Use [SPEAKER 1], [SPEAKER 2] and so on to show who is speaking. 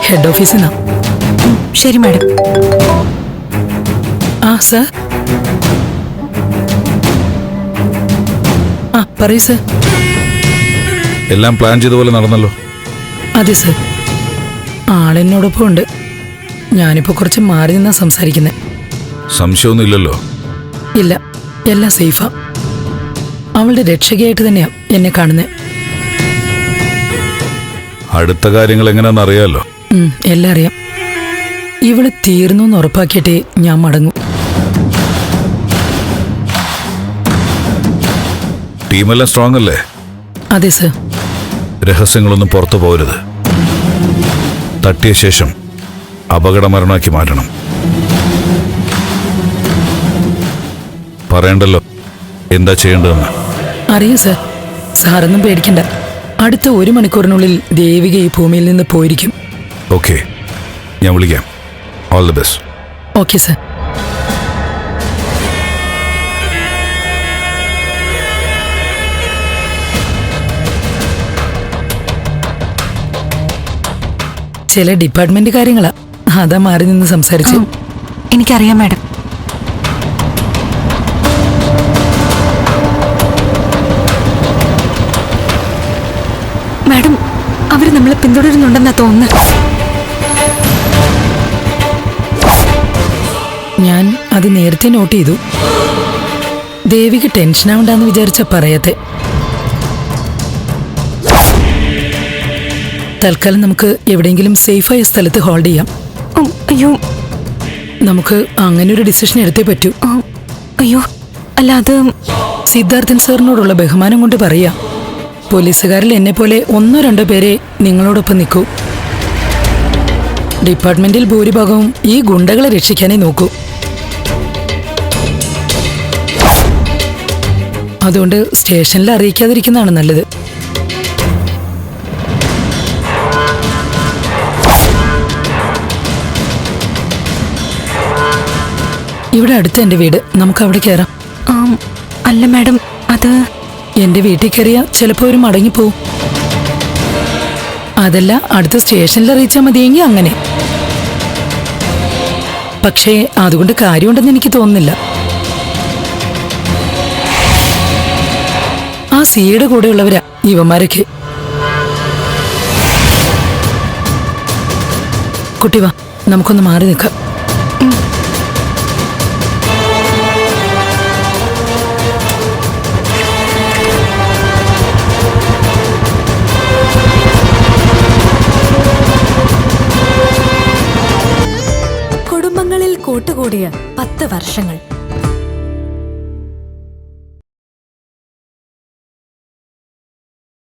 [SPEAKER 1] Head ഓഫീസിൽ നിന്നാ.
[SPEAKER 2] ശരി മാഡം.
[SPEAKER 1] ആ സർ. ആ പറയൂ സർ.
[SPEAKER 3] എല്ലാം പ്ലാൻ ചെയ്ത പോലെ നടന്നല്ലോ.
[SPEAKER 1] അതെ സർ, ആളെന്നോടൊപ്പം ഉണ്ട്. ഞാനിപ്പോ കുറച്ച് മാറി നിന്നാ സംസാരിക്കുന്നത്.
[SPEAKER 3] സംശയമൊന്നും ഇല്ലല്ലോ?
[SPEAKER 1] ഇല്ല, എല്ലാം സേഫാ. അവളുടെ രക്ഷകയായിട്ട് തന്നെയാ എന്നെ കാണുന്നത്.
[SPEAKER 3] അടുത്ത കാര്യങ്ങൾ എങ്ങനെയാണെന്ന് അറിയാലോ.
[SPEAKER 1] എല്ലാം അറിയാം. ഇവള് തീർന്നു എന്ന് ഉറപ്പാക്കിയിട്ടേ ഞാൻ മടങ്ങും.
[SPEAKER 3] ടീമെല്ലാം സ്ട്രോങ് അല്ലേ?
[SPEAKER 1] അതെ സർ.
[SPEAKER 3] രഹസ്യങ്ങളൊന്നും പുറത്തു പോകരുത്. തട്ടിയ ശേഷം അപകടമരണമാക്കി മാറ്റണം. പറയണ്ടല്ലോ എന്താ ചെയ്യേണ്ടതെന്ന്.
[SPEAKER 1] അറിയാം സർ. സാറൊന്നും പേടിക്കണ്ട. അടുത്ത 1 മണിക്കൂറിനുള്ളിൽ ദേവിക ഈ ഭൂമിയിൽ നിന്ന് പോയിരിക്കും.
[SPEAKER 3] ഓക്കെ, ഞാൻ വിളിക്കാം. All the best.
[SPEAKER 1] Okay sir. ചില ഡിപ്പാർട്ട്മെന്റ് കാര്യങ്ങളാ, അതാ മാറി നിന്ന് സംസാരിച്ചു.
[SPEAKER 2] എനിക്കറിയാം മാഡം. മാഡം, അവര് നമ്മളെ പിന്തുടരുന്നുണ്ടെന്നാ തോന്നുന്നത്.
[SPEAKER 1] ഞാൻ അത് നേരത്തെ നോട്ട് ചെയ്തു. ദേവിക്ക് ടെൻഷനാവണ്ടെന്ന് വിചാരിച്ച പറയത്തെ. തൽക്കാലം നമുക്ക് എവിടെയെങ്കിലും സേഫായ സ്ഥലത്ത് ഹോൾഡ് ചെയ്യാം.
[SPEAKER 2] അയ്യോ,
[SPEAKER 1] നമുക്ക് അങ്ങനെ ഒരു ഡിസിഷൻ എടുത്തേ പറ്റൂ.
[SPEAKER 2] അയ്യോ, അല്ല അത്
[SPEAKER 1] സിദ്ധാർത്ഥൻ സാറിനോടുള്ള ബഹുമാനം കൊണ്ട് പറയാ. പോലീസുകാരിൽ എന്നെ പോലെ 1-2 പേരെ നിങ്ങളോടൊപ്പം നിൽക്കൂ. ഡിപ്പാർട്ട്മെന്റിൽ ഭൂരിഭാഗവും ഈ ഗുണ്ടകളെ രക്ഷിക്കാനേ നോക്കൂ. അതുകൊണ്ട് സ്റ്റേഷനിൽ അറിയിക്കാതിരിക്കുന്നതാണ് നല്ലത്. ഇവിടെ അടുത്ത് എന്റെ വീട്, നമുക്ക് അവിടെ കയറാം.
[SPEAKER 2] അല്ല മാഡം, അത്
[SPEAKER 1] എന്റെ വീട്ടിൽ കയറിയാ ചിലപ്പോ ഒരു മടങ്ങിപ്പോവും. അതല്ല, അടുത്ത സ്റ്റേഷനിൽ അറിയിച്ചാൽ മതിയെങ്കിൽ അങ്ങനെ. പക്ഷേ അതുകൊണ്ട് കാര്യമുണ്ടെന്ന് എനിക്ക് തോന്നുന്നില്ല. ആ സിയുടെ കൂടെയുള്ളവരാ ഇവന്മാരൊക്കെ. കുട്ടി വാ, നമുക്കൊന്ന് മാറി നിൽക്കാം.
[SPEAKER 4] കുടുംബങ്ങളിൽ കൂട്ടുകൂടിയ 10 വർഷങ്ങൾ.